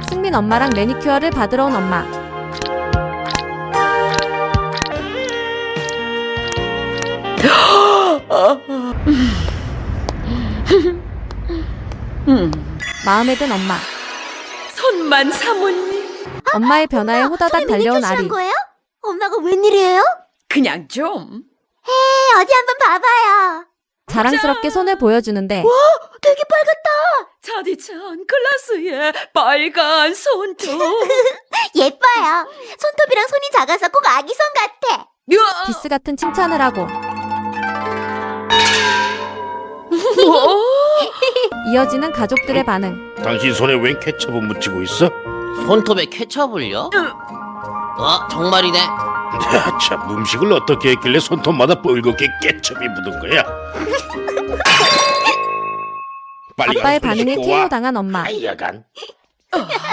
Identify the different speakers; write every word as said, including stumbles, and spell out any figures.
Speaker 1: 승민 엄마랑 매니큐어를 받으러 온 엄마. 마음에 든 엄마.
Speaker 2: 손만 사모님.
Speaker 1: 엄마의 변화에 호다닥 달려온 아리.
Speaker 3: 거예요? 엄마가 웬일이에요?
Speaker 2: 그냥 좀.
Speaker 3: 네, 어디 한번 봐봐요.
Speaker 1: 자랑스럽게 손을 보여주는데
Speaker 3: 되게 빨갛다.
Speaker 2: 차디찬 글라스에 빨간 손톱.
Speaker 3: 예뻐요. 손톱이랑 손이 작아서 꼭 아기 손 같아.
Speaker 2: 으아!
Speaker 1: 디스 같은 칭찬을 하고
Speaker 2: 뭐?
Speaker 1: 이어지는 가족들의 반응.
Speaker 4: 당신 손에 웬 케첩을 묻히고 있어?
Speaker 5: 손톱에 케첩을요? 어, 정말이네.
Speaker 4: 참, 음식을 어떻게 했길래 손톱마다 뻘겋게 케첩이 묻은 거야? 빨리
Speaker 1: 아빠의
Speaker 4: 가서 손
Speaker 1: 반응에
Speaker 4: 씻고
Speaker 1: 케이오
Speaker 4: 와.
Speaker 1: 당한 엄마.
Speaker 4: 아이, 야간.